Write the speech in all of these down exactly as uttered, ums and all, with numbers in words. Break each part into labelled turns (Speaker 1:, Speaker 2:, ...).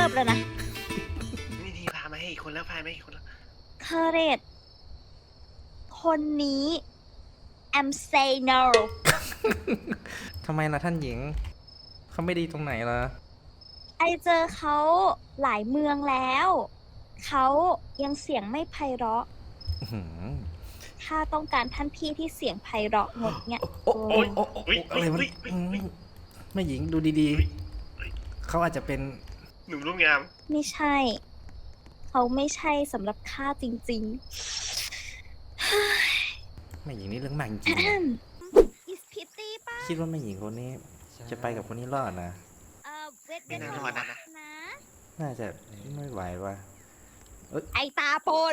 Speaker 1: บแล้วนะ
Speaker 2: นี่ทีพามาให้อีกคนแล้วพามาให้อีกคนแล้ว
Speaker 1: เคเรตคนนี้ I'm say no
Speaker 3: ทำไมล่ะท่านหญิงเขาไม่ดีตรงไหนล่ะ
Speaker 1: ไอเจอเขาหลายเมืองแล้วเขายังเสียงไม่ไพเราะถ้าต้องการท่านพี่ที่เสียงไพเราะงดเนี่ย
Speaker 3: โอ้โอ้โอ้โอ้อะไรมันแม่หญิงดูดีๆเขาอาจจะเป็น
Speaker 2: หนุ่มรูปงาม
Speaker 1: ไม่ใช่เขาไม่ใช่สำหรับข้าจริง
Speaker 3: ๆแม่หญิงนี่เรื่องมากจริงคิดว่าแม่หญิงคนนี้จะไปกับคนนี้รอดนะ
Speaker 2: ไม่น่ารอดนะ
Speaker 3: น่าจะไม่ไหวว่ะ
Speaker 1: ไอตาโปน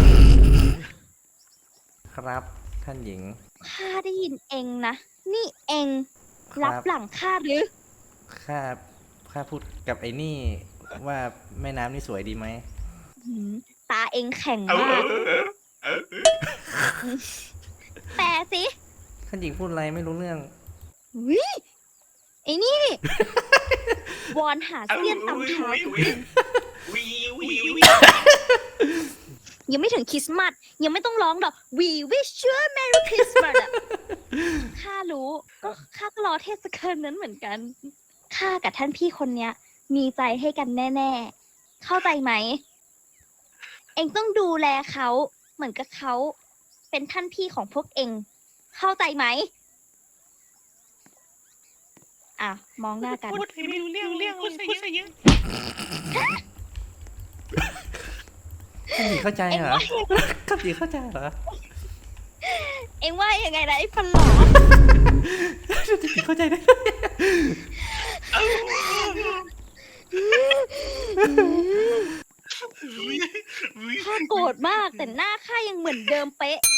Speaker 3: ครับท่านหญิง
Speaker 1: ข้าได้ยินเองนะนี่เองรับหลังข้าหรือ
Speaker 3: ข้าข้าพูดกับไอ้นี่ว่าแม่น้ำนี่สวยดีไหม
Speaker 1: ตาเองแข็งมากแปลสิ
Speaker 3: ท่านหญิงพูดอะไรไม่รู้เรื่อง
Speaker 1: วิไอ้นี่วอนหาเสี้ยนตำเท้ายังไม่ถึงคริสต์มาสยังไม่ต้องร้องดอก We wish you a Merry Christmas อะข้ารู้ก็ข้าก็รอเทศกาลนั้นเหมือนกันข้ากับท่านพี่คนเนี้ยมีใจให้กันแน่ๆเข้าใจไหมเองต้องดูแลเขาเหมือนกับเขาเป็นท่านพี่ของพวกเองเข้าใจไหมอ่ะมองหน้ากัน
Speaker 2: พูดให้ไม่รู้เรื่องเรื่องพูดซะเยอะ
Speaker 3: ท่านหญิงเข้าใจเหรอท่านหญิงเข้าใจเหรอ
Speaker 1: เอ็งว่ายังไงนะไอ้ฟันหลอ
Speaker 3: ท่านหญิงเข้าใจได้
Speaker 1: ข้าโกรธมากแต่หน้าข้ายังเหมือนเดิมเป๊ะ